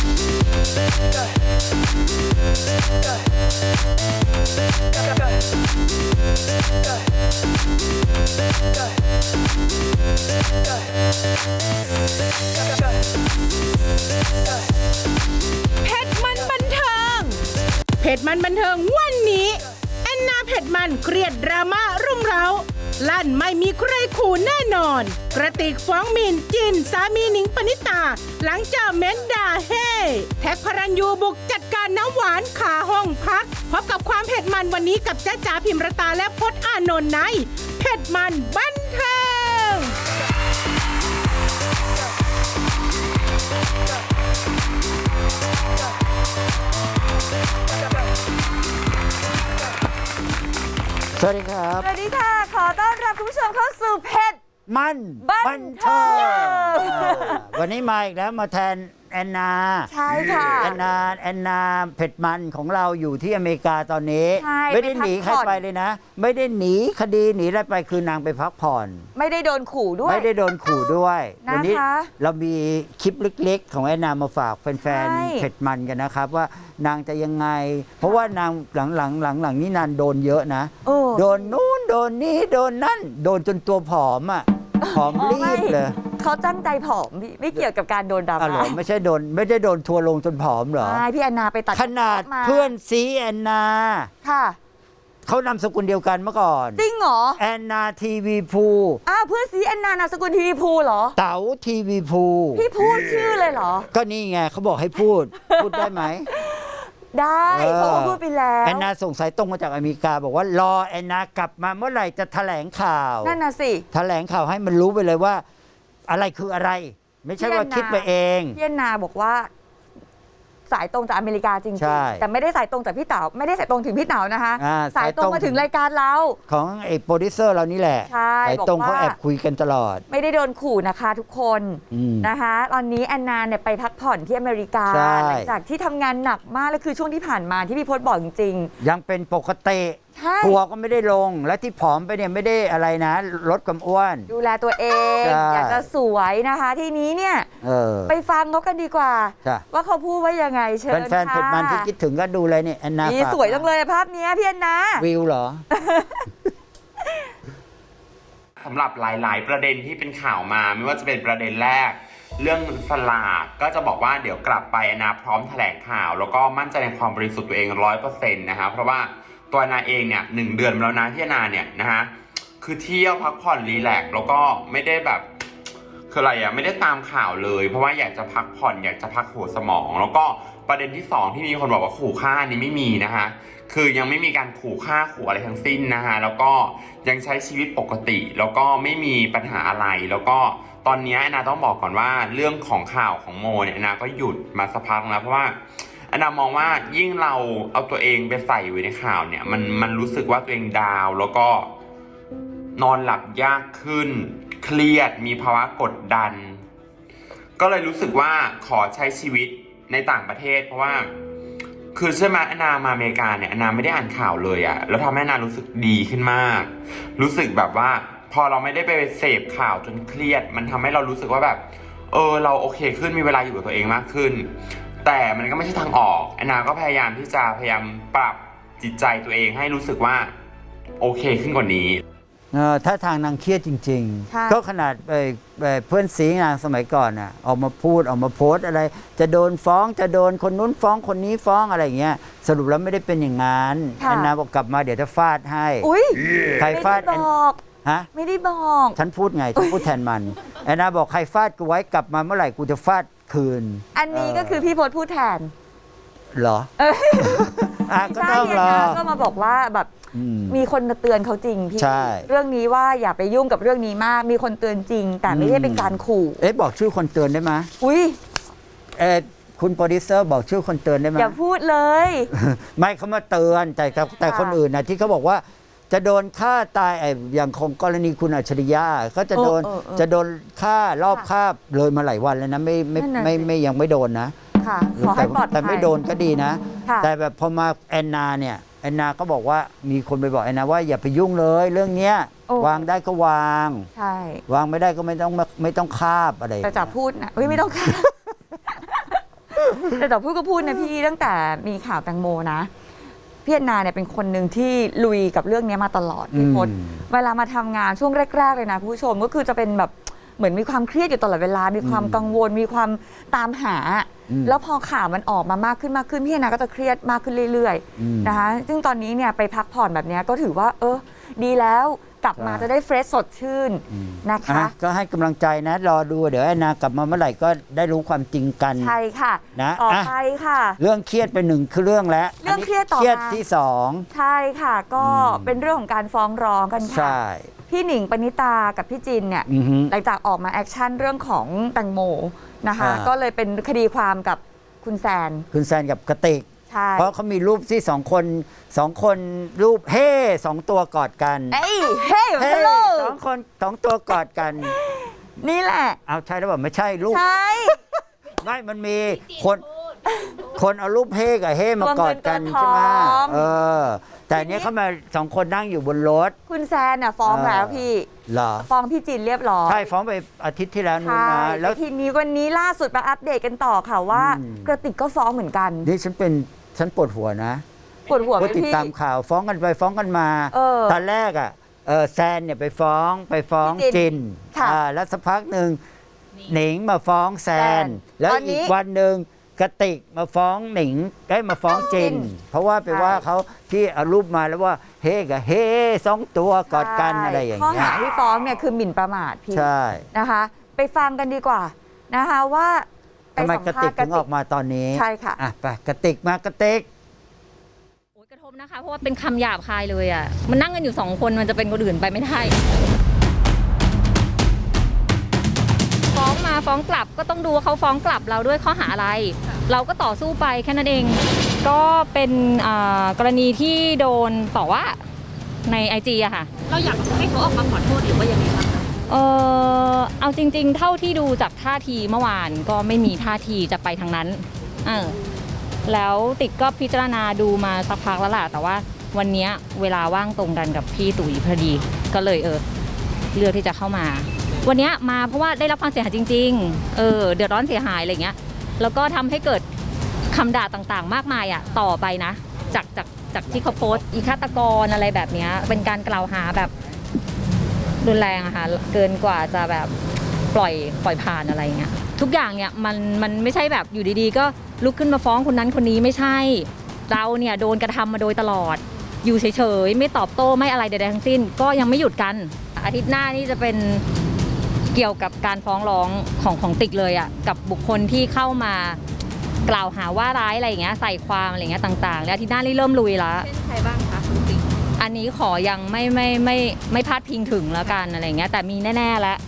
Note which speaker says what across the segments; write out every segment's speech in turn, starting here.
Speaker 1: เพจมันบันเทิงวันนี้แอนนาเพจมันเครียดดราม่ารุ่มเร้าลั่นไม่มีใครขู่แน่นอนกระติกฟ้องมินจินสามีหนิงปณิตาหลังเจอเม้นด่าเฮ่แท็กพระรัญยูบุกจัดการน้ำหวานขาห้องพักพบกับความเผ็ดมันวันนี้กับจ๊ะจ๋าพิมรตาและพจน์อานนท์ในเผ็ดมันบันเทิง
Speaker 2: สวัสดีครับ
Speaker 3: สวัสดีค่ะขอต้อนรับคุณผู้ชมเข้าสู่เผ็ด
Speaker 2: มันบันเทิงวันนี้มาอีกแล้วมาแทนแอนนา
Speaker 3: ใช่ค่ะ
Speaker 2: แอนนาเผ็ดมันของเราอยู่ที่อเมริกาตอนนี้
Speaker 3: ไม่
Speaker 2: ได้หนีใครไปเลยนะไม่ได้หนีคดีหนีอะไรไปคือนางไปพักผ่อน
Speaker 3: ไม่ได้โดนขู่ด้วย
Speaker 2: ไม่ได้โดนขู่ด้วย
Speaker 3: วัน
Speaker 2: นี้เรามีคลิปเล็กๆของแอนนามาฝากแฟนๆเผ็ดมันกันนะครับว่านางจะยังไงเพราะว่านางหลังนี่นางโดนเยอะนะโดนนู้นโดนนี้โดนนั่นโดนจนตัวผอมอ่ะผอมรีบเลย
Speaker 3: เขาตั้งใจผอมพี่ไม่เกี่ยวกับการโดนดราม่า
Speaker 2: ไม่ได้โดนทัวลงจนผอมเหรอ
Speaker 3: ใช่พี่แอนนาไปตัด
Speaker 2: ขนาดเพื่อนซีแอนนา
Speaker 3: ค่ะ
Speaker 2: เขานามสกุลเดียวกันเมื่อก่อน
Speaker 3: จริงเหรอ
Speaker 2: แอนนาทีวีพู
Speaker 3: เพื่อนซีแอนนานามสกุลทีวีพูเหรอ
Speaker 2: เต๋าทีวีพู
Speaker 3: พี่พูดชื่อเลยเหรอ
Speaker 2: ก็นี่ไงเขาบอกให้พูดได้ไหม
Speaker 3: ได้เพราะว่าพูดไปแล้ว
Speaker 2: แอนนาส่งสายตรงมาจากอเมริกาบอกว่ารอแอนนากลับมาเมื่อไหร่จะแถลงข่าว
Speaker 3: นั่นน่ะสิ
Speaker 2: แถลงข่าวให้มันรู้ไปเลยว่าอะไรคืออะไรไม่ใช่ว่าคิดไปเอง
Speaker 3: พี่แอนนาบอกว่าสายตรงจากอเมริกาจริงๆแต่ไม่ได้สายตรงจากพี่เต๋าไม่ได้สายตรงถึงพี่เต๋านะคะสายตรงมาถึงรายการเรา
Speaker 2: ของไอ้โปรดิวเซอร์เรานี่แหละสายตรงเขาแอบคุยกันตลอด
Speaker 3: ไม่ได้โดนขู่นะคะทุกคนนะคะตอนนี้แอนนาเนี่ยไปพักผ่อนที่อเมริกาหลังจากที่ทำงานหนักมากแล้วคือช่วงที่ผ่านมาที่พี่พจน์บอกจริง
Speaker 2: ๆยังเป็นปกติทัวร์ก็ไม่ได้ลงและที่ผอมไปเนี่ยไม่ได้อะไรนะลดความอ้วน
Speaker 3: ดูแลตัวเองอยากจะสวยนะคะทีนี้เนี่ยไปฟังเขากันดีกว่าว่าเขาพูดว่ายังไงเชิญค่ะ
Speaker 2: แฟนเผ็ดมันที่คิดถึงก็ดูเลยเนี่ยแอนนา
Speaker 3: สวยจังเลยภาพนี้พี่แอนนา
Speaker 2: วิวเหรอ
Speaker 4: สำหรับหลายๆประเด็นที่เป็นข่าวมาไม่ว่าจะเป็นประเด็นแรกเรื่องสลากก็จะบอกว่าเดี๋ยวกลับไปแอนนาพร้อมแถลงข่าวแล้วก็มั่นใจในความบริสุทธิ์ตัวเอง 100% นะคะเพราะว่าตัวแอนนาเองเนี่ย1 เดือนแล้วนะที่แอนนาเนี่ยนะฮะคือเที่ยวพักผ่อนรีแลกซ์แล้วก็ไม่ได้แบบคืออะไรอ่ะไม่ได้ตามข่าวเลยเพราะว่าอยากจะพักผ่อนอยากจะพักหัวสมองแล้วก็ประเด็นที่2ที่มีคนบอกว่าขู่ฆ่านี่ไม่มีนะคะคือยังไม่มีการขู่ฆ่าขู่อะไรทั้งสิ้นนะคะแล้วก็ยังใช้ชีวิตปกติแล้วก็ไม่มีปัญหาอะไรแล้วก็ตอนนี้แอนนาต้องบอกก่อนว่าเรื่องของข่าวของโมเนี่ยแอนนาก็หยุดมาสักพักแล้วเพราะว่าแอนนามองว่ายิ่งเราเอาตัวเองไปใส่ไว้ในข่าวเนี่ยมันรู้สึกว่าตัวเองดาวแล้วก็นอนหลับยากขึ้นเครียดมีภาวะกดดันก็เลยรู้สึกว่าขอใช้ชีวิตในต่างประเทศเพราะว่าคือใช่ไหมแอนนามาอเมริกาเนี่ยแอนนาไม่ได้อ่านข่าวเลยอะแล้วทำให้แอนนารู้สึกดีขึ้นมากรู้สึกแบบว่าพอเราไม่ได้ไปเสพข่าวจนเครียดมันทำให้เรารู้สึกว่าแบบเราโอเคขึ้นมีเวลาอยู่กับตัวเองมากขึ้นแต่มันก็ไม่ใช่ทางออกแอนนาก็พยายามปรับจิตใจตัวเองให้รู้สึกว่าโอเคขึ้นกว่านี้
Speaker 2: ถ้าทางนางเครียดจริงๆก็ขนาดเพื่อนสีนางสมัยก่อนน่ะออกมาพูดออกมาโพสอะไรจะโดนฟ้องจะโดนคนนู้นฟ้องคนนี้ฟ้องอะไรอย่างเงี้ยสรุปแล้วไม่ได้เป็นอย่างนั้นแอนนาบอกกลับมาเดี๋ยวจะฟาดให้ใครฟาดฮะ
Speaker 3: ไม่ได้บอก
Speaker 2: ฉันพูดไงฉันพูดแทนมันแอนนาบอกใครฟาดกูไว้กลับมาเมื่อไหร่กูจะฟาดคืน
Speaker 3: อันนี้ก็คือพี่พจน์พูดแทน
Speaker 2: เหรอก็ต้องรอ
Speaker 3: ก็มาบอกว่าแบบมีคนมาเตือนเขาจริงพี่เรื่องนี้ว่าอย่าไปยุ่งกับเรื่องนี้มากมีคนเตือนจริงแต่ไม่ได้เป็นการขู่
Speaker 2: บอกชื่อคนเตือนได้ไหมคุณโปรดิวเซอร์บอกชื่อคนเตือนได้ไหม
Speaker 3: อย่าพูดเลย
Speaker 2: ไม่เขามาเตือนแต่คนอื่นนะที่เขาบอกว่าจะโดนฆ่าตายอย่างของกรณีคุณอัจฉริยะก็จะโดนฆ่ารอบฆ่าเลยมาหลายวันแล้วนะไม่ยังไม่โดนนะ
Speaker 3: ขอให้ปลอดภัย
Speaker 2: แต่ไม่โดนก็ดีนะแต่แบบพอมาแอนนาเนี่ยแอนนาก็บอกว่ามีคนไปบอกแอนนาว่าอย่าไปยุ่งเลยเรื่องเนี้ยวางได้ก็วางวางไม่ได้ก็ไม่ต้องคาบอะไร
Speaker 3: แต่จะพูดนะไม่ต้องคาบแต่พูดก็พูดนะพี่ตั้งแต่มีข่าวแตงโมนะพี่แอนนาเนี่ยเป็นคนหนึ่งที่ลุยกับเรื่องนี้มาตลอดพี่พศเวลามาทำงานช่วงแรกๆเลยนะคุณผู้ชมก็คือจะเป็นแบบเหมือนมีความเครียดอยู่ตลอดเวลามีความกังวลมีความตามหาแล้วพอข่าวมันออกมามากขึ้นพี่แอนนาก็จะเครียดมากขึ้นเรื่อยๆนะคะซึ่งตอนนี้เนี่ยไปพักผ่อนแบบนี้ก็ถือว่าดีแล้วกลับมาจะได้เฟรชสดชื่นนะคะ
Speaker 2: ก็ให้กำลังใจนะรอดูเดี๋ยวแอนนากลับมาเมื่อไหร่ก็ได้รู้ความจริงกัน
Speaker 3: ใช่ค่ะ
Speaker 2: นะ
Speaker 3: ต่อไปค่ะ
Speaker 2: เรื่องเครียดไปหนึ่งคือเรื่องแล้ว
Speaker 3: เรื่องเครียดต่อมา
Speaker 2: เครียดที่สอง
Speaker 3: ใช่ค่ะก็เป็นเรื่องของการฟ้องร้องกันค่ะพี่หนิงปณิตากับพี่จินเนี่ยหลังจากออกมาแอคชั่นเรื่องของแตงโมนะคะก็เลยเป็นคดีความกับคุณแซน
Speaker 2: กับกติกเพราะเขามีรูปที่สองคนรูปสองตัวกอดกันสองคนสองตัวกอดกัน
Speaker 3: นี่แหละ
Speaker 2: เอาใช่หรือเปล่าไม่ใช่รูป
Speaker 3: ใช่
Speaker 2: ไม่มันมีคนเอารูปกับมากอดกันใช่ไหมแต่เนี้ยเขามาสองคนนั่งอยู่บนรถ
Speaker 3: คุณแซนน่ะฟ้องแล้วพี่ฟ้องพี่จินเรียบร้อย
Speaker 2: ใช่ฟ้องไปอาทิตย์ที่แล้วนู่นนะ
Speaker 3: แล้วทีนี้วันนี้ล่าสุดมาอัปเดตกันต่อค่ะว่ากระติกก็ฟ้องเหมือนกัน
Speaker 2: นี่ฉันปวดหัวนะ
Speaker 3: ปวดหัวไป
Speaker 2: ติดตามข่าวฟ้องกันไปฟ้องกันมาตอนแรกแซนเนี่ยไปฟ้องจินแล้วสักพักหนึ่งหนิงมาฟ้องแซนแล้วอีกวันหนึ่งกติกมาฟ้องหนิงได้มาฟ้องจินเพราะว่าไปว่าเขาที่เอารูปมาแล้วว่ากับสองตัวกอดกันอะไรอย่างเงี้ย
Speaker 3: ข้อหาที่ฟ้องเนี่ยคือหมิ่นประมาทพี่นะคะไปฟังกันดีกว่านะคะว่า
Speaker 2: ทำไมกติกถึงออกมาตอนนี้
Speaker 3: ใช่ค่ะ
Speaker 2: ไปกติกมากติก
Speaker 5: กระทบนะคะเพราะว่าเป็นคำหยาบคายเลยอ่ะมันนั่งกันอยู่2 คนมันจะเป็นคนอื่นไปไม่ได้ฟ้องมาฟ้องกลับก็ต้องดูว่าเขาฟ้องกลับเราด้วยข้อหาอะไรเราก็ต่อสู้ไปแค่นั้นเองก็เป็นกรณีที่โดนต่อว่าใน IG อะค่ะ
Speaker 6: เราอยากให้เขาออกมาขอโทษหรือว่ายังไงบ้างคะ
Speaker 5: เอาจริงๆเท่าที่ดูจากท่าทีเมื่อวานก็ไม่มีท่าทีจะไปทางนั้นแล้วติ๊กก็พิจารณาดูมาสักพักแล้วล่ะแต่ว่าวันนี้เวลาว่างตรงกันกับพี่ตุ๋ยพอดีก็เลยเลือกที่จะเข้ามาวันนี้มาเพราะว่าได้รับความเสียหายจริงๆเดือดร้อนเสียหายอะไรเงี้ยแล้วก็ทำให้เกิดคำด่าต่างๆมากมายต่อไปนะจากที่เขาโพสต์อีฆาตกรอะไรแบบนี้เป็นการกล่าวหาแบบรุนแรงอะค่ะเกินกว่าจะแบบปล่อยผ่านอะไรเงี้ยทุกอย่างเนี่ยมันไม่ใช่แบบอยู่ดีๆก็ลุกขึ้นมาฟ้องคนนั้นคนนี้ไม่ใช่เราเนี่ยโดนกระทำมาโดยตลอดอยู่เฉยๆไม่ตอบโต้ไม่อะไรใดๆทั้งสิ้นก็ยังไม่หยุดกันอาทิตย์หน้านี่จะเป็นเกี่ยวกับการฟ้องร้องของติ๊กเลยอ่ะกับบุคคลที่เข้ามากล่าวหาว่าร้ายอะไรอย่างเงี้ยใส่ความอะไรอย่างเงี้ยต่างๆแล้วอาทิตย์หน้านี่เริ่มลุยแล้ว
Speaker 6: เช่นใครบ้างคะคุณติ๊ก
Speaker 5: อันนี้ขอยังไม่พลาดพิงถึงแล้วกันอะไรอย่างเงี้ยแต่มีแน่ๆแล้ว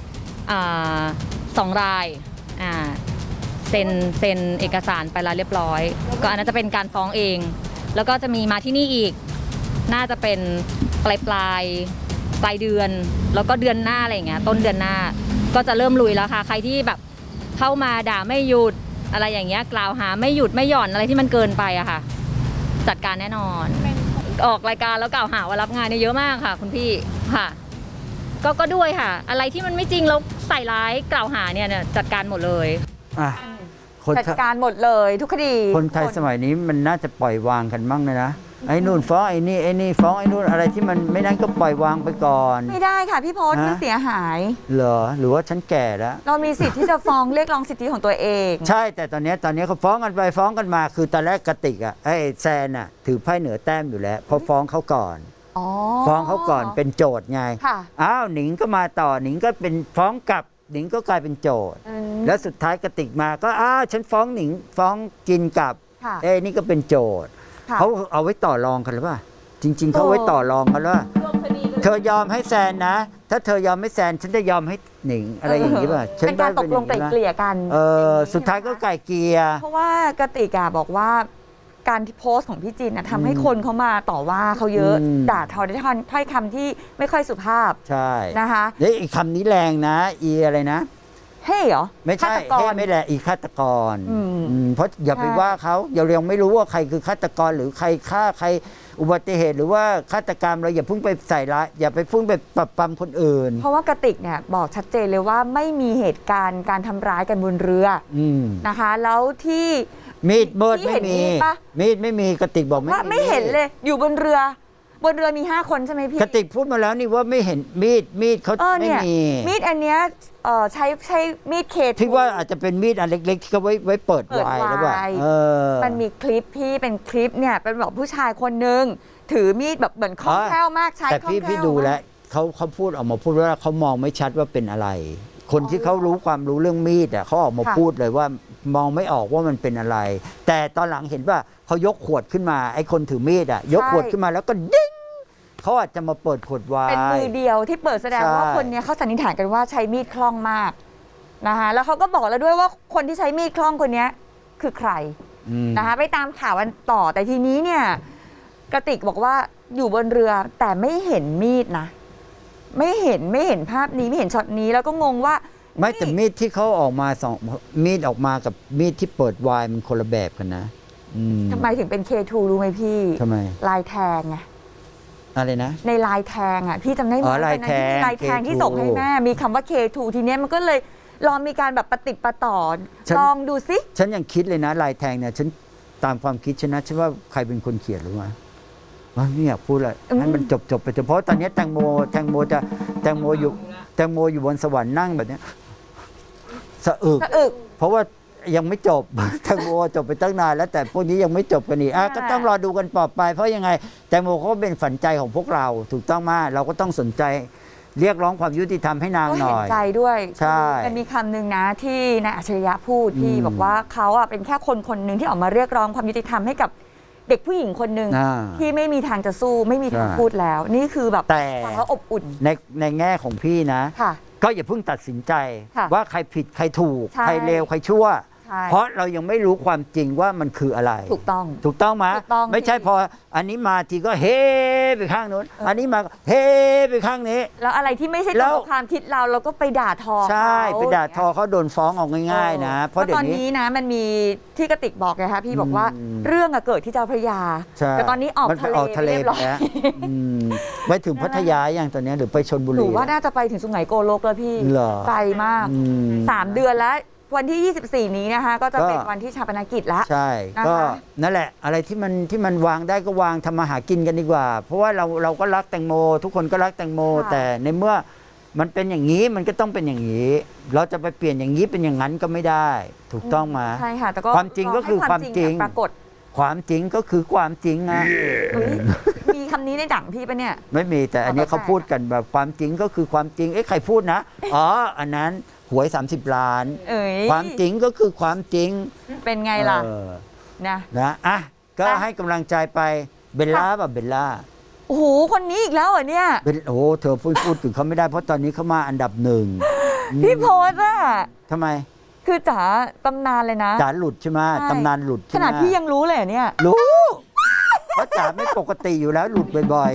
Speaker 5: 2 รายเซ็นเอกสารไปแล้วเรียบร้อยก็อันนั้นจะเป็นการฟ้องเองแล้วก็จะมีมาที่นี่อีกน่าจะเป็นปลายเดือนแล้วก็เดือนหน้าอะไรอย่างเงี้ยต้นเดือนหน้าก็จะเริ่มลุยแล้วค่ะใครที่แบบเข้ามาด่าไม่หยุดอะไรอย่างเงี้ยกล่าวหาไม่หยุดไม่หย่อนอะไรที่มันเกินไปอะค่ะจัดการแน่นอนออกรายการแล้วกล่าวหาว่ารับงานเนี่ยเยอะมากค่ะคุณพี่ค่ะก็ด้วยค่ะอะไรที่มันไม่จริงแล้วใส่ร้ายกล่าวหาเนี่ยจัดการหมดเลย
Speaker 3: จัดการหมดเลยทุกคดี
Speaker 2: คนไทยสมัยนี้มันน่าจะปล่อยวางกันบ้างเลยนะไอ้นู่นฟ้องไอ้นี่ฟ้องไอ้นู่นอะไรที่มันไม่นั้นก็ปล่อยวางไปก่อน
Speaker 3: ไม่ได้ค่ะพี่พศมันเสียหาย
Speaker 2: เหรอหรือว่าฉันแก่แล้ว
Speaker 3: เรามีสิทธิ์ที่จะฟ้องเรียกร้องสิทธิของตัวเอง
Speaker 2: ใช่แต่ตอนนี้เขาฟ้องกันไปฟ้องกันมาคือตอนแรกกติกไอ้แซนถือไพ่เหนือแต้มอยู่แล้วพอฟ้องเขาก่อนฟ้องเขาก่อนเป็นโจทย์ไงอ้าวหนิงก็มาต่อหนิงก็เป็นฟ้องกลับหนิงก็กลายเป็นโจทย์แล้วสุดท้ายกติกมาก็ฉันฟ้องหนิงฟ้องจินกลับนี่ก็เป็นโจทย์เขาเอาไว้ต่อรองกันหรือเปล่าจริงๆเขาไว้ต่อรองกันว่าเธอยอมให้แซนนะถ้าเธอยอมให้แซนฉันจะยอมให้หนิงอะไรอย่างนี้ป่ะ
Speaker 3: เป็นการตกลงไกล่เกลี่ยกัน
Speaker 2: สุดท้ายก็ไกล่เกลี่ย
Speaker 3: เพราะว่ากติกบอกว่าการที่โพสต์ของพี่จินทำให้คนเขามาต่อว่าเขาเยอะด่าทอด้วยถ้อยคำที่ไม่ค่อยสุภาพ
Speaker 2: ใช่
Speaker 3: นะคะ
Speaker 2: แล้วอีกคำนี้แรงนะอะไรนะ
Speaker 3: เหรอ
Speaker 2: ไม่ใช่ไม่แหละอีฆาตกรเพราะอย่าไปว่าเขายังไม่รู้ว่าใครคือฆาตกรหรือใครฆ่าใครอุบัติเหตุหรือว่าฆาตกรรมเราอย่าเพิ่งไปใส่ร้ายอย่าไปเพิ่งไปปรับปรามคนอื่น
Speaker 3: เพราะว่ากติกเนี่ยบอกชัดเจนเลยว่าไม่มีเหตุการณ์การทำร้ายกันบนเรือนะคะแล้วที่
Speaker 2: มีดมืด
Speaker 3: พี่
Speaker 2: ไม่
Speaker 3: เห็น
Speaker 2: มี
Speaker 3: มีดปะ
Speaker 2: มีดไม่มีกระติกบอก
Speaker 3: ว่าไม่เห็นเลยอยู่บนเรือ บนเรือมี5 คนใช่ไหมพี่
Speaker 2: กระติกพูดมาแล้วนี่ว่าไม่เห็นมีดเขา
Speaker 3: เนี่
Speaker 2: ไม่
Speaker 3: ย
Speaker 2: มี
Speaker 3: มีดอันเนี้ยใช้มีดเคทู
Speaker 2: ที่ว่าอาจจะเป็นมีดอันเล็ก ๆ ที่เขาไว้เปิด
Speaker 3: เปิด
Speaker 2: ไวน์
Speaker 3: ไวน์
Speaker 2: หรือเปล่า
Speaker 3: มันมีคลิปพี่เป็นคลิปเนี่ยเป็นแบบผู้ชายคนนึงถือมีดแบบเหมือนคล่องแคล่วมากใช้
Speaker 2: แต่
Speaker 3: คล่องแคล่ว
Speaker 2: พี่ดูแล้วเขาพูดออกมาพูดว่าเขามองไม่ชัดว่าเป็นอะไร คนที่เขารู้ความรู้เรื่องมีดเขาออกมาพูดเลยว่ามองไม่ออกว่ามันเป็นอะไร แต่ตอนหลังเห็นว่าเขายกขวดขึ้นมาไอ้คนถือมีดยกขวดขึ้นมาแล้วก็ดิ้งเขาอาจจะมาเปิดขวดไวน์
Speaker 3: เป็นมือเดียวที่เปิดแสดงว่า
Speaker 2: ใช่
Speaker 3: คนเนี้ยเขาสันนิษฐานกันว่าใช้มีดคล่องมากนะคะแล้วเขาก็บอกแล้วด้วยว่าคนที่ใช้มีดคล่องคนเนี้ยคือใคร นะคะไปตามข่าวกันต่อแต่ทีนี้เนี่ยกระติกบอกว่าอยู่บนเรือแต่ไม่เห็นมีดนะไม่เห็นภาพนี้ไม่เห็นช็อตนี้แล้วก็งงว่า
Speaker 2: ไม่แต่มีดที่เขาออกมามีดออกมากับมีดที่เปิดไวน์มันคนละแบบกันนะ
Speaker 3: ทำไมถึงเป็น K2 รู้ไหมพี่
Speaker 2: ทำไม
Speaker 3: ลายแทงไง
Speaker 2: อะไรนะ
Speaker 3: ในลายแทงอ่ะพี่จำได้ไหม
Speaker 2: ลายแทง
Speaker 3: ลายแทง
Speaker 2: K2
Speaker 3: ที่ส่งให้แม่มีคำว่า K2 ทีเนี้ยมันก็เลยลองมีการแบบประติดประต่อลองดูซิ
Speaker 2: ฉันยังคิดเลยนะลายแทงเนี่ยฉันตามความคิดฉันนะฉันว่าใครเป็นคนเขียนรู้ไหมว่าไม่อยากพูดเลยให้มันจบไปเฉพาะตอนนี้แตงโมอยู่บนสวรรค์นั่งแบบเนี้ยสะอึกเพราะว่ายังไม่จบ แตงโมจบไปตั้งนานแล้วแต่พวกนี้ยังไม่จบกันอีกก็ต้องรอดูกันต่อไปเพราะยังไงแตงโมเขาก็เป็นฝันใจของพวกเราถูกต้องมากเราก็ต้องสนใจเรียกร้องความยุติธรรมให้นาง
Speaker 3: ก็
Speaker 2: หน่
Speaker 3: เห็น
Speaker 2: อย
Speaker 3: ใจด้วย
Speaker 2: ใช่
Speaker 3: มันมีคำหนึ่งนะที่นายอัจฉริยะพูดที่บอกว่าเขาอ่ะเป็นแค่คนหนึ่งที่ออกมาเรียกร้องความยุติธรรมให้กับเด็กผู้หญิงคนหนึ่งที่ไม่มีทางจะสู้ไม่มีทางพูดแล้ว นี่คือแบบ
Speaker 2: แต่
Speaker 3: ฟังแล้วอบอุ่น
Speaker 2: ในแง่ของพี่นะ
Speaker 3: ค่ะ
Speaker 2: ก็อย่าเพิ่งตัดสินใจ
Speaker 3: ค่ะ
Speaker 2: ว่าใครผิดใครถูก
Speaker 3: ใช่
Speaker 2: ใครเลวใครชั่ว
Speaker 3: ใช่
Speaker 2: เพราะเรายังไม่รู้ความจริงว่ามันคืออะไร
Speaker 3: ถูกต้อง
Speaker 2: ถูกต้องไหม
Speaker 3: ถูกต้อง
Speaker 2: ไม่ใช่
Speaker 3: พี่
Speaker 2: พออันนี้มาทีก็เฮ้ไปข้างนู้นอันนี้มาก็เฮ้ไปข้างนี้
Speaker 3: แล้วอะไรที่ไม่ใช่ต
Speaker 2: แล้
Speaker 3: รง
Speaker 2: ว
Speaker 3: กับความคิดเราก็ไปด่าทอ
Speaker 2: ใช่
Speaker 3: เขา
Speaker 2: ไปด่าทอเขาโดนฟ้องเอาง่ายๆนะ เพราะเดี๋ย
Speaker 3: ต
Speaker 2: ว
Speaker 3: อน
Speaker 2: นี้
Speaker 3: นี้นะมันมีที่กระติกบอกไงคะพี่บอกว่า
Speaker 2: อืม
Speaker 3: เรื่องอะเกิดที่เจ้าพระยา
Speaker 2: ใช่
Speaker 3: แต่ตอนนี้ออก
Speaker 2: มันไป
Speaker 3: ทะเล
Speaker 2: ออกทะเล
Speaker 3: เรียบ
Speaker 2: ไป
Speaker 3: ร้อย
Speaker 2: แล้วไปถึงพัทยาอย่างตอนนี้หรือไปชลบุ
Speaker 3: ห
Speaker 2: รี
Speaker 3: นูว่าน่าจะไปถึงสุไหงโกลกแล้วพี่
Speaker 2: เหรอ
Speaker 3: ไกลมาก
Speaker 2: อืม
Speaker 3: 3 เดือนแล้ววันที่ 24 นี้นะคะ ก็จะเป็น
Speaker 2: ก็
Speaker 3: วันที่ชาปนกิจแล้ว
Speaker 2: ใช่
Speaker 3: นะคะ
Speaker 2: ก็นั่นแหละ อะไรที่มันวางได้ก็วางทำมาหากินกันดีกว่า เพราะว่าเราก็รักแตงโม ทุกคนก็รักแตงโม แต่ในเมื่อมันเป็นอย่างนี้มันก็ต้องเป็นอย่างนี้ เราจะไปเปลี่ยนอย่างนี้เป็นอย่างนั้นก็ไม่ได้ ถูกต้องไหมา
Speaker 3: ใช่ค่ะแต่ก็
Speaker 2: ความจริงก็คือ
Speaker 3: ให้
Speaker 2: ความจริง
Speaker 3: ปรากฏ
Speaker 2: ความจริงก็คือความจริงนะ
Speaker 3: เฮ้ยมีคำนี้ในดั่งพี่ปะเนี่ย
Speaker 2: ไม่มีแต่อันนี้เขาพูดกันแบบความจริงก็คือความจริงใครพูดนะอ๋ออันนั้นหวย 30 ล้าน
Speaker 3: เอ้ย
Speaker 2: ความจริงก็คือความจริง
Speaker 3: เป็นไงล่ะ นะ
Speaker 2: นะอ่ะก็
Speaker 3: อ่ะ
Speaker 2: ให้กำลังใจไปเบลล่าแบบเบลล่า
Speaker 3: โอ้โหคนนี้อีกแล้วเหรอเนี่ย
Speaker 2: โอ้เธอพูดถึงเขาไม่ได้เพราะตอนนี้เขามาอันดับหนึ่ง
Speaker 3: พี่โพสอะ
Speaker 2: ทำไม
Speaker 3: คือจ๋าตำนานเลยนะ
Speaker 2: จ๋าหลุดใช่ไหม
Speaker 3: ใช่
Speaker 2: ตำนานหลุด
Speaker 3: ข
Speaker 2: ใช่ไหม
Speaker 3: นาดพี่ยังรู้เลยเหรอเนี่ย
Speaker 2: รู้เพราะจ๋าไม่ปกติอยู่แล้วหลุดบ่อย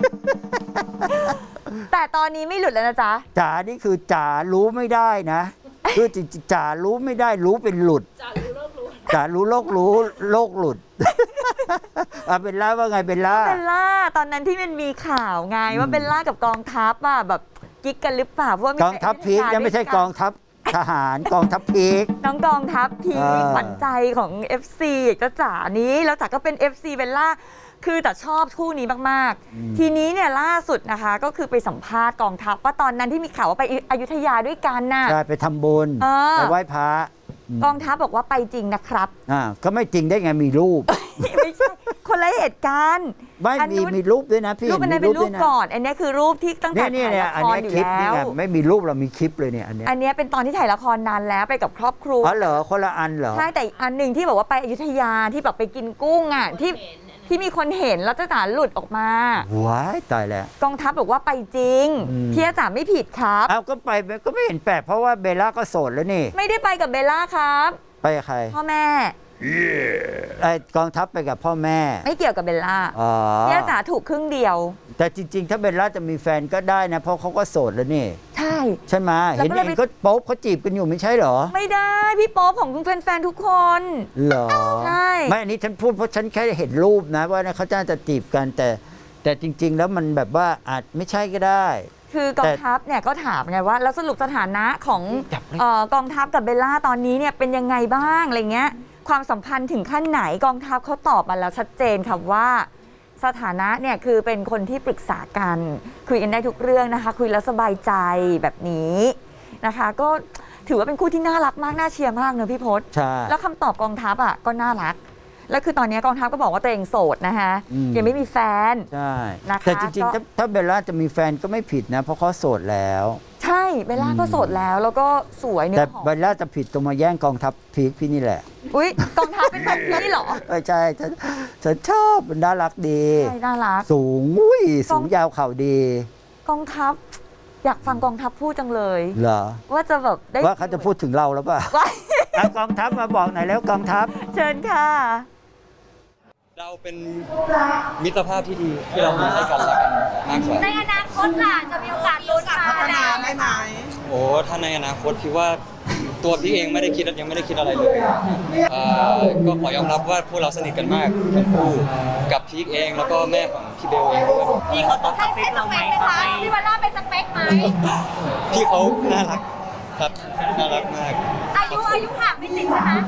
Speaker 3: แต่ตอนนี้ไม่หลุดแล้วนะจ๊ะ
Speaker 2: ๆจ๋านี่คือจ๋ารู้ไม่ได้นะคือจริงๆจ๋ารู้ไม่ได้รู้เป็นหลุดจ๋ารู้โลกรู้โลกหลุด อ่ะเบลล่าว่าไงเบลล่า
Speaker 3: เบลล่าตอนนั้นที่มันมีข่าวไงว่าเบลล่ากับกองทัพอะแบบกิ๊กกันหรือเปล่าเพราะว่ามี
Speaker 2: กองทัพพีกยังไม่ใช่กองทัพทหารกองทัพพีก
Speaker 3: น้องกองทัพพี
Speaker 2: อ่า
Speaker 3: ขวัญใจของ FC จ้าจ๋านี้แล้วจ๋าก็เป็น FC เบลล่าคือแต่ชอบคู่นี้มากๆ ทีนี้เนี่ยล่าสุดนะคะก็คือไปสัมภาษณ์กองทัพว่าตอนนั้นที่มีข่าวว่าไปอยุธยาด้วยกันน่ะ
Speaker 2: ใช่ไปทำบุญ
Speaker 3: เออ
Speaker 2: ไปไหว้พระ
Speaker 3: กองทัพบอกว่าไปจริงนะครับ
Speaker 2: ก็ไม่จริงได้ไงมีรูป
Speaker 3: ไม่ใช่คนละเหตุการณ์
Speaker 2: ไม่
Speaker 3: อัน
Speaker 2: มี
Speaker 3: นู้น
Speaker 2: มีรูปด้วยนะพี่
Speaker 3: รูปอันนั้น
Speaker 2: มี
Speaker 3: เป็นรูป
Speaker 2: ด้วยะ
Speaker 3: ก่อน อันนี้คือรูปที่ตั้งแต่
Speaker 2: เนี่ย
Speaker 3: ถ่าย
Speaker 2: เนี่ย
Speaker 3: ละ
Speaker 2: อัน
Speaker 3: คร
Speaker 2: เนี้ย
Speaker 3: อยู่
Speaker 2: คลิป
Speaker 3: แล้
Speaker 2: นี่
Speaker 3: ว
Speaker 2: ไงไม่มีรูปเรามีคลิปเลยเนี่ยอันเนี้ย
Speaker 3: อันนี้เป็นตอนที่ถ่ายละครนานแล้วไปกับครอบครัว
Speaker 2: อ๋อเหรอคนละอันเหรอ
Speaker 3: ใช่แต่อีกอันหนึ่งที่บอกว่าไปอยุธยาที่แบบไปกินกุ้งอ่ะที่มีคนเห็นแล้วจ้าจ๋าหลุดออกมา
Speaker 2: ว้ายตายแล้ว
Speaker 3: กองทัพบอกว่าไปจริง
Speaker 2: อืม
Speaker 3: พี่จ๋าไม่ผิดครับ
Speaker 2: เอาก็ไปก็ไม่เห็นแปลกเพราะว่าเบลล่าก็โสดแล้วนี่
Speaker 3: ไม่ได้ไปกับเบลล่าครับ
Speaker 2: ไปกับใคร
Speaker 3: พ่อแม่
Speaker 2: ไอ้กองทัพไปกับพ่อแม่
Speaker 3: ไม่เกี่ยวกับเบลล่า
Speaker 2: อ๋อ
Speaker 3: พี่จ๋าถูกครึ่งเดียว
Speaker 2: แต่จริง ๆ ถ้าเบลล่าจะมีแฟนก็ได้นะเพราะเขาก็โสดแล้วนี่
Speaker 3: ใช่
Speaker 2: ใช่ไหม
Speaker 3: แล้ว
Speaker 2: เห็น
Speaker 3: ก็เลย
Speaker 2: เอง
Speaker 3: ไป
Speaker 2: ก็โป๊บเขาจีบกันอยู่ไม่ใช่เหรอ
Speaker 3: ไม่ได้พี่โป๊ปของแฟนๆทุกคน
Speaker 2: เหรอ
Speaker 3: ใช่
Speaker 2: ไม่อันนี้ฉันพูดเพราะฉันแค่เห็นรูปนะว่าเขาจะจีบกันแต่จริง ๆ แล้วมันแบบว่าอาจไม่ใช่ก็ได้
Speaker 3: คือกองทัพเนี่ยก็ถามไงว่าแล้วสรุปสถานะของกองทัพกับเบลล่าตอนนี้เนี่ยเป็นยังไงบ้างอะไรเงี้ยความสัมพันธ์ถึงขั้นไหนกองทัพเขาตอบมาแล้วชัดเจนค่ะว่าสถานะเนี่ยคือเป็นคนที่ปรึกษากันคุยกันได้ทุกเรื่องนะคะ คุยแล้วสบายใจแบบนี้นะคะ ก็ถือว่าเป็นคู่ที่น่ารักมากน่าเชียร์มากเนอะพี่พศ
Speaker 2: ใช่
Speaker 3: แล้วคำตอบกองทัพอ่ะก็น่ารักแล้วคือตอนนี้กองทัพก็บอกว่าตัวเองโสดนะคะยังไม่มีแฟน
Speaker 2: ใช่
Speaker 3: นะคะ
Speaker 2: แต่จริงๆ
Speaker 3: ก็
Speaker 2: ถ้าเบลล่าจะมีแฟนก็ไม่ผิดนะ เพราะเขาโสดแล้ว
Speaker 3: ใช่เบลล่าก็โสดแล้วก็สวยเนื้
Speaker 2: แต่
Speaker 3: อหอม
Speaker 2: เบลล่าจะผิดตรงมาแย่งกองทัพพีคพี่นี่แหละ
Speaker 3: อุ๊ยกองทัพเป็นแบบนี้เหรอ
Speaker 2: ใช่ฉันชอบมันน่ารักดี
Speaker 3: ใช่น่ารัก
Speaker 2: สูงสูงยาวเข่าดี
Speaker 3: กองทัพอยากฟังกองทัพพูดจังเลย
Speaker 2: เหรอ
Speaker 3: ว่าจะแบบได้
Speaker 2: ว่าเขาจะพูดถึงเราแล้วป่ะ
Speaker 3: ว่า
Speaker 2: เอากองทัพมาบอกหน่อยแล้วกองทัพ
Speaker 3: เชิญค่ะ
Speaker 7: เราเป็นมิตรภาพที่ดีที่เรามีให้กันและกันมากกว่า
Speaker 6: ในอนาคตล่ะจะมีโอกาสลุ้นมาได้ไหม
Speaker 7: โอ้ถ้าในอนาคตพี่ว่าตัวพี่เองไม่ได้คิดยังไม่ได้คิดอะไรเลยก็ขอยอมรับว่าพวกเราสนิทกันมากทั้งคู่กับพีคเองแล้วก็แม่ของพี่เบลเองด้วย
Speaker 6: พี่เขาต้องใช้สเปคไหมคะพี่วันล่าเป็นสเปคไหม
Speaker 7: พี่เขาน่ารักครับน่ารักมาก
Speaker 6: อายุห่างไม่ติดใช่ไหม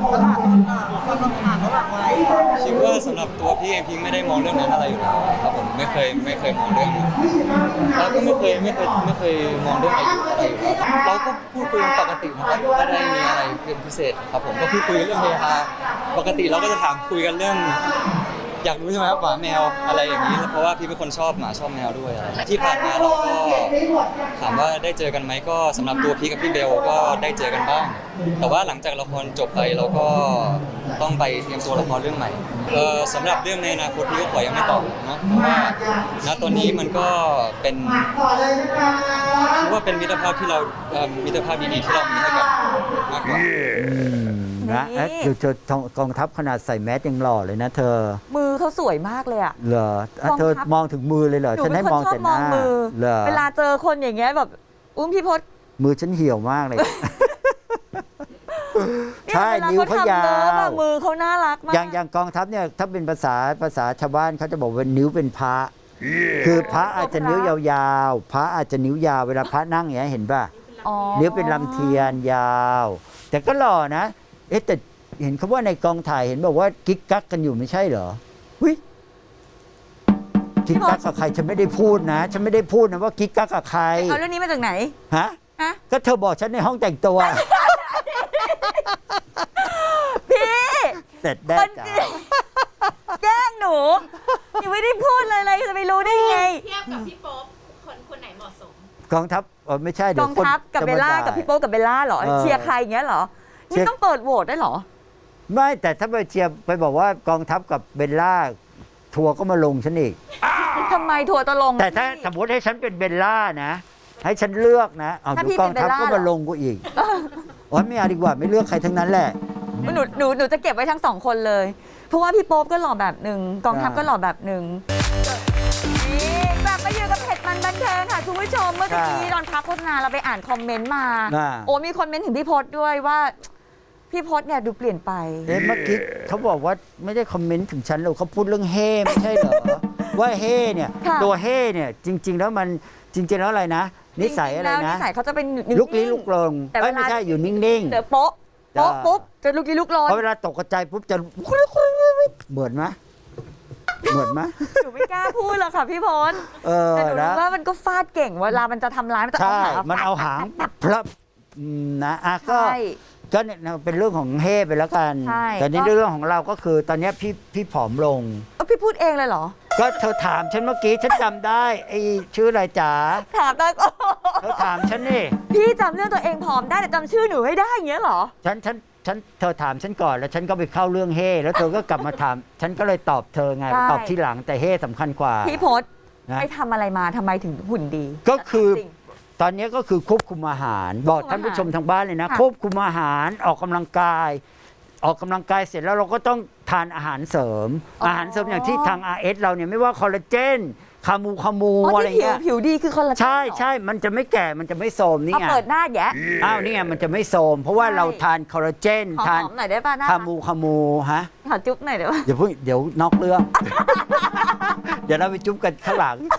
Speaker 7: คิดว่าสำหรับตัวพี่เองพี่ไม่ได้มองเรื่องนั้นอะไรอยู่แล้วครับผมไม่เคยมองเรื่องนั้นเราก็ไม่เคยมองเรื่องอายุอะไรอยู่แล้วเราก็พูดคุยกันปกตินะครับไม่ได้มีอะไรเป็นพิเศษครับผมก็พูดคุยเรื่องเฮฮาปกติเราก็จะถามคุยกันเรื่อง อยากรู้ใช่ไหมครับหมาแมวอะไรอย่างนี้เพราะว่าพี่เป็นคนชอบหมาชอบแมวด้วยอะไรที่ผ่านมาเราก็ถามว่าได้เจอกันไหมก็สำหรับตัวพี่กับพี่เบลก็ได้เจอกันบ้างแต่ว่าหลังจากละครจบไปเราก็ต้องไปเตรียมตัวละครเรื่องใหม่สำหรับเรื่องในอนาคตพี่ก็ขอยังไม่ตอบเนาะเพราะว่าณตอนนี้มันก็เป็นคิดว่าเป็นมิตรภาพที่เรามิตรภาพดีๆที่เรามีให้กันมากกว่า
Speaker 2: นะ
Speaker 3: นี่
Speaker 2: ดูเธอกองทัพขนาดใส่แมสยังหล่อเลยนะเธอ
Speaker 3: มือเขาสวยมากเลยอะ
Speaker 2: เหรออ่ะเธอก
Speaker 3: องทัพ
Speaker 2: มองถึงมือเลยเหรอ
Speaker 3: หนู
Speaker 2: ฉัน
Speaker 3: เป็
Speaker 2: ให้
Speaker 3: นคน
Speaker 2: มอง
Speaker 3: ชอบ
Speaker 2: แต่ห
Speaker 3: มอง
Speaker 2: น้า
Speaker 3: มือ
Speaker 2: เหรอ
Speaker 3: เวลาเจอคนอย่างเงี้ยแบบพี่พศ
Speaker 2: มือฉันเหี่ยวมากเลย
Speaker 3: เนี่ย
Speaker 2: ใช่
Speaker 3: เวลา
Speaker 2: นิ้ว
Speaker 3: เขา
Speaker 2: เขา
Speaker 3: ทำ
Speaker 2: ยา
Speaker 3: เลิฟอะ
Speaker 2: ว
Speaker 3: มือเขาน่ารักมาก
Speaker 2: อย่างกองทัพเนี่ยถ้าเป็นภาษาชาวบ้านเขาจะบอกว่านิ้วเป็นพระ คือพระอาจจะนิ้วยาวๆ พระอาจจะนิ้วยาวเวลาพระนั่งอย่างเงี้ยเห็นป่ะ
Speaker 3: อ๋อ
Speaker 2: นิ้วเป็นลำเทียนยาว แต่ก็หล่อนะ เอ๊ะแต่เห็นเขาว่าในกองถ่ายเห็นบอกว่ากิ๊กกักกันอยู่ไม่ใช่เหรอ
Speaker 3: อุ๊ย
Speaker 2: กิ๊กกักกับใครฉันไม่ได้พูดนะ ฉันไม่ได้พูดนะว่ากิ๊กกักกับใคร
Speaker 3: เอาเรื่องนี้มาจากไหน
Speaker 2: ฮะ
Speaker 3: ฮะ
Speaker 2: ก็เธอบอกฉันในห้องแต่งตัว
Speaker 3: พี่
Speaker 2: เสร็จได้
Speaker 3: คน
Speaker 2: จ้ะ
Speaker 3: แกล้งหนูยังไม่ได้พูดเลยจะไปรู้ได้ไง
Speaker 6: เทียบกับพี่โป๊ปคนไหนเหมาะสม
Speaker 2: กองทัพไม่ใช่เดี๋
Speaker 3: ก
Speaker 2: ยว
Speaker 3: อง
Speaker 2: คน
Speaker 3: ทัพกับ
Speaker 2: จะ
Speaker 3: เบ
Speaker 2: มา
Speaker 3: ลล่า
Speaker 2: ด่
Speaker 3: กับพี่โป๊ปกับเบลล่าเหรอ
Speaker 2: เออ
Speaker 3: เชียร์ใครอย่างเงี้ยเหรอ
Speaker 2: เชีย
Speaker 3: นี่
Speaker 2: ร์
Speaker 3: ต้องเปิดโหวตได้เหรอ
Speaker 2: ไม่แต่ถ้าไปเชียร์ไปบอกว่ากองทัพกับเบลล่าทัวร์ก็มาลงฉันอีก
Speaker 3: ทำไมทัวร์ตะลง
Speaker 2: แต่ถ้าสมมติให้ฉันเป็นเบลล่านะ ให้ฉันเลือกนะเอา
Speaker 3: ถ้า
Speaker 2: ดู
Speaker 3: พี่
Speaker 2: กองทัพ
Speaker 3: เป็นเบลล่า
Speaker 2: ก็มาลงกูอีกโอ้ยไม่เอาดีกว่าไม่เลือกใครทั้งนั้นแหละ
Speaker 3: หนูจะเก็บไว้ทั้งสองคนเลย เพราะว่าพี่โป๊ปก็หล่อแบบหนึ่งกองทัพก็หล่อแบบหนึ่งนี่กลับมาอยู่กับเผ็ดมันบันเทิงค่ะคุณผู้ชมเมื่อกี้ตอนพักโฆษณาเราไปอ่านคอมเมนต์มา โอ้มีคอมเมนต์ถึงพี่พศด้วยว่า พี่พศเนี่ยดูเปลี่ยนไป
Speaker 2: เอ๊ะเมื่อกี้เขาบอกว่าไม่ได้คอมเมนต์ถึงฉันหรอกเขาพูดเรื่องเฮ่ไม่ใช่เหรอ ว่าเฮ่เนี่ย
Speaker 3: ค่ะ
Speaker 2: ตัวเฮ่เนี่ยจริง ๆ แล้วมันจริง ๆ แล้วอะไรนะ นิสัยอะไร
Speaker 3: จงๆแล้วนิ
Speaker 2: นะ
Speaker 3: สัยเขาจะเป็นนิ่งๆ
Speaker 2: ลุกลี้ลุกลน
Speaker 3: แต่เวลา
Speaker 2: ไม่ใช่อยู่นิ่ง
Speaker 3: เจอโป๊ะ
Speaker 2: จ้า
Speaker 3: ปุ๊บจะลุกลี้ลุกล
Speaker 2: ๆ
Speaker 3: น
Speaker 2: เพราะเวลาตกใจปุ๊บจะเหมือนไหมเหมือนไหม
Speaker 3: หนูไม่กล้าพูดหรอกค่ะพี่พศ แต่หนู
Speaker 2: นะ
Speaker 3: รู้ว่ามันก็ฟาดเก่งเวลามันจะทำร้ายมันจะเอา
Speaker 2: ใช่
Speaker 3: หาง
Speaker 2: มันเอาหางพลับนะอ่ะก็
Speaker 3: ใช่
Speaker 2: ก็เนี่ยเป็นเรื่องของเฮ่ไปแล้วกัน
Speaker 3: ใช่
Speaker 2: แต่นี่
Speaker 3: ก็
Speaker 2: เรื่องของเราก็คือตอนเนี้ยพี่ผอมลง
Speaker 3: พี่พูดเองเลยเหรอ
Speaker 2: ก็เธอถามฉันเมื่อกี้ฉันจำได้ไอ้ชื่ออะไรจ๋า
Speaker 3: ถามได้ก็
Speaker 2: เธอถามฉันนี่
Speaker 3: พี่จำเรื่องตัวเองผอมได้แต่จำชื่อหนูไม่ได้อย่างเงี้ยเหรอ
Speaker 2: เธอถามฉันก่อนแล้วฉันก็ไปเข้าเรื่องเฮ่แล้วเธอก็กลับมาถาม ฉันก็เลยตอบเธอไง
Speaker 3: ใช่
Speaker 2: ตอบที่หลังแต่เฮ่สำคัญกว่า
Speaker 3: พี่พศ
Speaker 2: นะ
Speaker 3: ไปทำอะไรมาทำไมถึงหุ่นดี
Speaker 2: ก็คือ
Speaker 3: จริง
Speaker 2: ตอนนี้ก็คือควบคุมอาหาร บอกท่านผู้ชมทางบ้านเลยนะ
Speaker 3: ค่ะ
Speaker 2: ควบคุมอาหารออกกำลังกาย ออกกำลังกายเสร็จแล้วเราก็ต้องทานอาหารเสริม อาหารเสริมอย่างที่ทาง RS เราเนี่ยไม่ว่าคอลลาเจนคามู
Speaker 3: อ๋อ
Speaker 2: อะไร
Speaker 3: ที่ผิว
Speaker 2: เงี้ย
Speaker 3: ผิวดีคือคอลลาเจน
Speaker 2: ใช่
Speaker 3: เหรอ
Speaker 2: ใช่มันจะไม่แก่มันจะไม่โทรมนี่
Speaker 3: เอา
Speaker 2: ไง
Speaker 3: เปิดหน้าแยะ
Speaker 2: อ้าวนี่ไงมันจะไม่โทรมเพราะว่า
Speaker 3: ใช่
Speaker 2: เราทานคอลลาเจน
Speaker 3: ขอ
Speaker 2: ทาน
Speaker 3: หอมหน่อยได้ป่ะหน้า
Speaker 2: คามูฮะ
Speaker 3: ขอจุ๊บหน่อยได้ป่ะ
Speaker 2: เดี๋ยวนอกเรื่อง เดี๋ยวเราไปจุ๊บกันข้างหลัง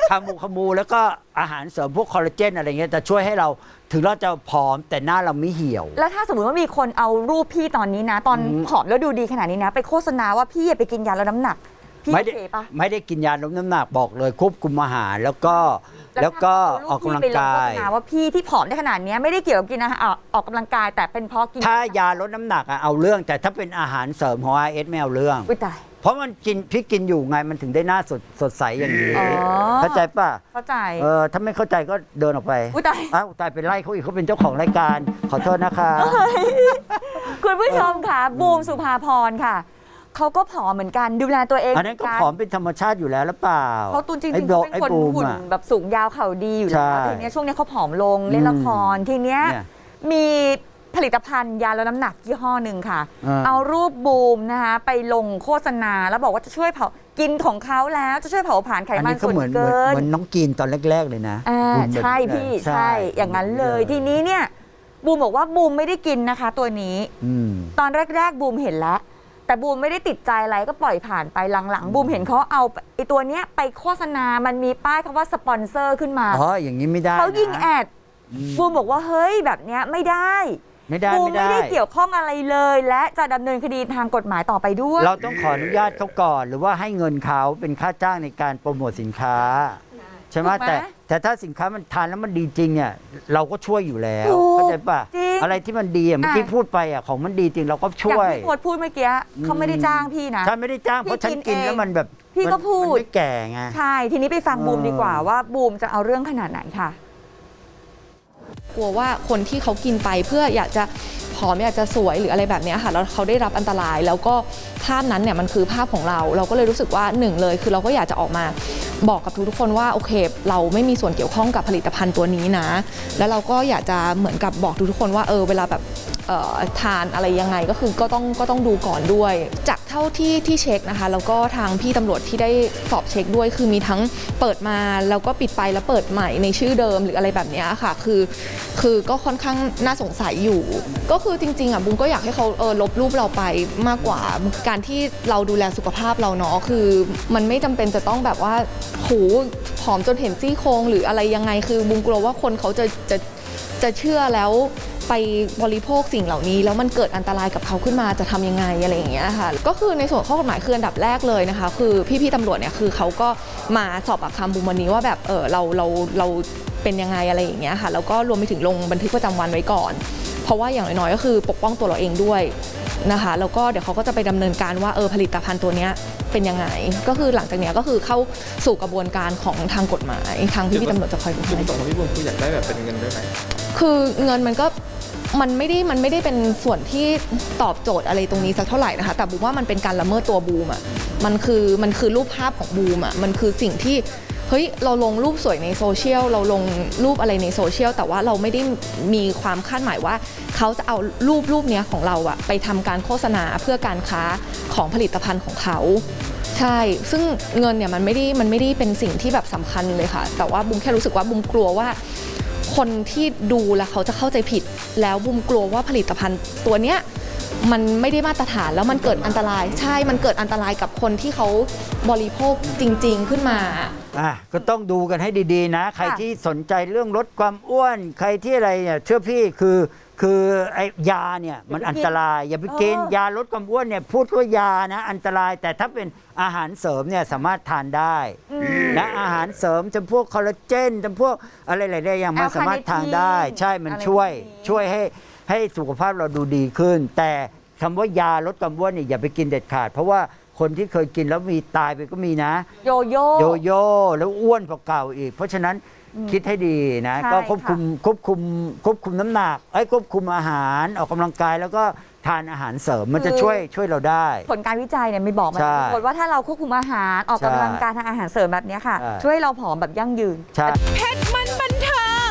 Speaker 2: ขมูแล้วก็อาหารเสริมพวกคอลลาเจนอะไรเงี้ยจะช่วยให้เราถึงเราจะผอมแต่หน้าเราไม่เหี่ยว
Speaker 3: แล้วถ้าสมมติว่ามีคนเอารูปพี่ตอนนี้นะ ตอนผอมแล้วดูดีขนาดนี้นะ ไปโฆษณาว่าพี่ไปกินยาลดน้ำหนักพี่
Speaker 2: ไม่ได้
Speaker 3: โอเคปะ
Speaker 2: ไม่ได้กินยาลดน้ำหนักบอกเลยควบคุมอาหารแล้วก็ออกกำลังกาย
Speaker 3: ไปลงโฆษณาว่าพี่ที่ผอมได้ขนาดนี้ไม่ได้เกี่ยวกับกินอาหารออกกำลังกายแต่เป็นเพราะกิน
Speaker 2: ถ้ายาลดน้ำหนักอะเอาเรื่องแต่ถ้าเป็นอาหารเสริมของ RS ไม่เอาเรื่อง
Speaker 3: อุ้ยตาย
Speaker 2: เพราะมันพี่กินอยู่ไงมันถึงได้หน้าสดใสอย่างนี้
Speaker 3: อ๋อ
Speaker 2: เข้าใจป่ะ
Speaker 3: เข้าใจ
Speaker 2: ถ้าไม่เข้าใจก็เดินออกไป
Speaker 3: อุ๊ยตาย
Speaker 2: อ้าวตายเป็นไล่เขาอีกเขาเป็นเจ้าของรายการขอโทษนะคะ
Speaker 3: คุณผู้ชมค่ะบูมสุภาพรค่ะเขาก็ผอมเหมือนกันดูแลตัวเอง
Speaker 2: อันนั้นก็ผอมเป็นธรรมชาติอยู่แล้วหรือเปล่า
Speaker 3: เขาตุนจริงๆ
Speaker 2: ไอ้
Speaker 3: เขาเป็น
Speaker 2: ไอ้
Speaker 3: คน
Speaker 2: บูม
Speaker 3: หุ่น
Speaker 2: อะ
Speaker 3: แบบสูงยาวเข่าดีอยู่แล้ว
Speaker 2: ใช่
Speaker 3: ทีเนี้ยช่วงนี้เขาผอมลงเล่นละครทีเนี้ย
Speaker 2: เนี่ย
Speaker 3: มีผลิตภัณฑ์ยาลดน้ำหนักยี่ห้อหนึ่งค่ะ
Speaker 2: อ่า
Speaker 3: เอารูปบูมนะคะไปลงโฆษณาแล้วบอกว่าจะช่วยเผากินของเขาแล้วจะช่วยเผาผลาญไข
Speaker 2: อัน
Speaker 3: มัน
Speaker 2: นี้ก็
Speaker 3: ส่วน
Speaker 2: เหมือน
Speaker 3: เกิน
Speaker 2: น้องกินตอนแรก ๆ เลยนะ บูมแบบ
Speaker 3: ใช่พี่ใช่อย่างนั้นเลยทีนี้เนี่ยบูมบอกว่าบูมไม่ได้กินนะคะตัวนี้
Speaker 2: อืม
Speaker 3: ตอนแรกๆบูมเห็นแล้ว แต่บูมไม่ได้ติดใจอะไรก็ปล่อยผ่านไปหลังๆบูมเห็นเขาเอาไอตัวเนี้ยไปโฆษณามันมีป้ายคำว่าสปอนเซอร์ขึ้นมา
Speaker 2: อ๋ออย่างนี้ไม่ได้
Speaker 3: เขายิง
Speaker 2: นะ
Speaker 3: แอด
Speaker 2: อืม
Speaker 3: บูมบอกว่าเฮ้ยแบบเนี้ยไม่ได้
Speaker 2: ไม่ได้
Speaker 3: บูม
Speaker 2: ไม่
Speaker 3: ไม่
Speaker 2: ได้
Speaker 3: ได้เกี่ยวข้องอะไรเลย และจะดำเนินคดีทางกฎหมายต่อไปด้วย
Speaker 2: เราต้องขออนุญาตเขาก่อน หรือว่าให้เงินเขาเป็นค่าจ้างในการโปรโมทสินค้า ใช่ไหม
Speaker 3: ถูกไหม
Speaker 2: แต่ถ้าสินค้ามันทานแล้วมันดีจริงเนี่ยเราก็ช่วยอยู่แล้ว
Speaker 3: ถูก
Speaker 2: เข้าใจป่ะ
Speaker 3: จริง
Speaker 2: อะไรที่มันดีอะเมื่อกี้พูดไปอ่ะของมันดีจริงเราก็
Speaker 3: อ
Speaker 2: ช่
Speaker 3: ย่าง
Speaker 2: วย
Speaker 3: ที่โพสต์พูดเมื่อกี้เขาไม่ได้จ้างพี่นะ
Speaker 2: ถ้าไม่ได้จ้างเพราะฉันกินแล้วมันแบบ
Speaker 3: พี่ก็พูด
Speaker 2: มันไม่แก่ไง
Speaker 3: ใช่ทีนี้ไปฟังบูม
Speaker 2: เออ
Speaker 3: ดีกว่าว่าบูมจะเอาเรื่องขนาดไหนค่ะ
Speaker 8: กลัวว่าคนที่เขากินไปเพื่ออยากจะผอมอยากจะสวยหรืออะไรแบบเนี้ยค่ะแล้วเขาได้รับอันตรายแล้วก็ภาพนั้นเนี่ยมันคือภาพของเราก็เลยรู้สึกว่าหนึ่งเลยคือเราก็อยากจะออกมาบอกกับทุกๆคนว่าโอเค เราไม่มีส่วนเกี่ยวข้องกับผลิตภัณฑ์ตัวนี้นะแล้วเราก็อยากจะเหมือนกับบอกทุกๆคนว่าเวลาแบบทานอะไรยังไงก็คือก็ต้องดูก่อนด้วย จากเท่าที่เช็คนะคะแล้วก็ทางพี่ตำรวจที่ได้สอบเช็คด้วยคือมีทั้งเปิดมาแล้วก็ปิดไปแล้วเปิดใหม่ในชื่อเดิมหรืออะไรแบบนี้ค่ะคือก็ค่อนข้างน่าสงสัยอยู่ ก็คือจริงๆอ่ะบุ้งก็อยากให้เขาลบรูปเราไปมากกว่าการที่เราดูแลสุขภาพเราเนาะคือมันไม่จำเป็นจะต้องแบบว่าโหผอมจนเห็นซี่โครงหรืออะไรยังไงคือบุ้งกลัวว่าคนเขาจะเชื่อแล้วไปบริโภคสิ่งเหล่านี้แล้วมันเกิดอันตรายกับเขาขึ้นมาจะทำยังไงอะไรอย่างเงี้ยค่ะก็คือในส่วนข้อกฎหมายคืออันดับแรกเลยนะคะคือพี่ๆตำรวจเนี่ยคือเขาก็มาสอบปากคำบุมวันนี้ว่าแบบเราเป็นยังไงอะไรอย่างเงี้ยค่ะแล้วก็รวมไปถึงลงบันทึกประจำวันไว้ก่อน เพราะว่าอย่างน้อยๆก็คือปกป้องตัวเราเองด้วยนะคะแล้วก็เดี๋ยวเขาก็จะไปดำเนินการว่าผลิตภัณฑ์ตัวเนี้ยเป็นยังไงก็คือหลังจากเนี้ยก็คือเข้าสู่กระบวนการของทางกฎหมายทางพี่ๆตำรวจจะคอยดู
Speaker 7: จุด
Speaker 8: ให้
Speaker 7: ประสงค์ของพี่บุญคืออยากได้แบบเป็นเงินด้วยไหม
Speaker 8: คือเงินมันไม่ได้เป็นส่วนที่ตอบโจทย์อะไรตรงนี้สักเท่าไหร่นะคะแต่บูมว่ามันเป็นการละเมิดตัวบูมอ่ะมันคือรูปภาพของบูมอ่ะมันคือสิ่งที่เฮ้ยเราลงรูปสวยในโซเชียลเราลงรูปอะไรในโซเชียลแต่ว่าเราไม่ได้มีความคาดหมายว่าเขาจะเอารูปเนี้ยของเราอ่ะไปทำการโฆษณาเพื่อการค้าของผลิตภัณฑ์ของเขาใช่ซึ่งเงินเนี่ยมันไม่ได้เป็นสิ่งที่แบบสำคัญเลยค่ะแต่ว่าบูมแค่รู้สึกว่าบูมกลัวว่าคนที่ดูแล้วเขาจะเข้าใจผิดแล้วบุมกลัวว่าผลิตภัณฑ์ตัวเนี้ยมันไม่ได้มาตรฐานแล้วมันเกิดอันตรายใช่มันเกิดอันตรายกับคนที่เขาบริโภคจริงๆขึ้นมา
Speaker 2: ก็ต้องดูกันให้ดีๆนะ ใครที่สนใจเรื่องลดความอ้วน ใครที่อะไรเนี่ยเชื่อพี่คือไอ้ยาเนี่ยมันอันตรายอย่าไปกินยาลดความอ้วนเนี่ยพูดว่ายานะอันตรายแต่ถ้าเป็นอาหารเสริมเนี่ยสามารถทานได้นะอาหารเสริมจำพวกคอลลาเจนจำพวกอะไรหลายๆอย่างมันสามารถทานได้ใช่มันช่วยให้สุขภาพเราดูดีขึ้น แต่คำว่ายาลดความอ้วนเนี่ยอย่าไปกินเด็ดขาดเพราะว่าคนที่เคยกินแล้วมีตายไปก็มีนะโยโย่แล้วอ้วนกว่าเก่าอีกเพราะฉะนั้นคิดให้ดีนะก็ควบคุมน้ำหนักควบคุมอาหารออกกำลังกายแล้วก็ทานอาหารเสริมมันจะช่วยเราได้
Speaker 3: ผลการวิจัยเนี่ยมีบอกมาทุกคนว่าถ้าเราควบคุมอาหารออกกำลังกายทางอาหารเสริมแบบนี้ค่ะช่วยให้เราผอมแบบยั่งยืน
Speaker 2: ใช่
Speaker 1: เพชรมันบันเทิง